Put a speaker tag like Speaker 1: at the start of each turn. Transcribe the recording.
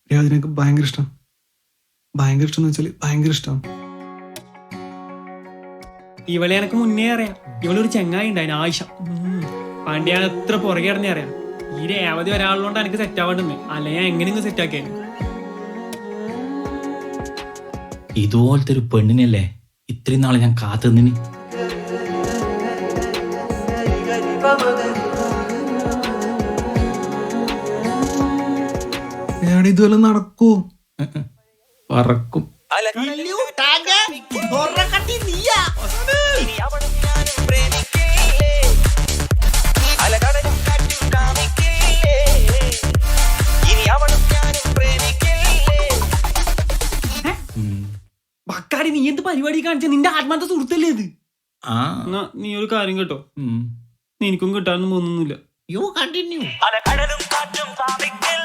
Speaker 1: അതിനൊക്കെ ഭയങ്കര ഇഷ്ടം. ഭയങ്കര ഇഷ്ടം എന്ന് വെച്ചാൽ ഭയങ്കര ഇഷ്ടം.
Speaker 2: ഇവളെ എനക്ക് മുന്നേ അറിയാം. ഇവളൊരു ചെങ്ങായി ഉണ്ടായിന് ആയിഷ. പണ്ടിയാണ് എത്ര പുറകെ ഇറങ്ങി അറിയാം. ഈ രേവതി ഒരാളുകൊണ്ട് എനിക്ക് സെറ്റ് ആവാണ്ടെന്ന്. അല്ലെ ഞാൻ എങ്ങനെയെങ്കിലും സെറ്റ് ആക്കിയാ.
Speaker 3: ഇതുപോലത്തെ ഒരു പെണ്ണിനല്ലേ ഇത്രയും നാളെ ഞാൻ കാത്തുനിന്ന്.
Speaker 1: ഇതുവല്ല നടക്കൂ.
Speaker 3: പറക്കും.
Speaker 2: ബക്കാടി, നീ എന്ത് പരിപാടി കാണിച്ച? നിന്റെ ആത്മാർത്ഥ സുഹൃത്തല്ലേ ഇത്?
Speaker 3: ആ
Speaker 2: എന്നാ നീ ഒരു കാര്യം കേട്ടോ, എനിക്കും കിട്ടാനൊന്നും തോന്നുന്നില്ല.
Speaker 4: You continue.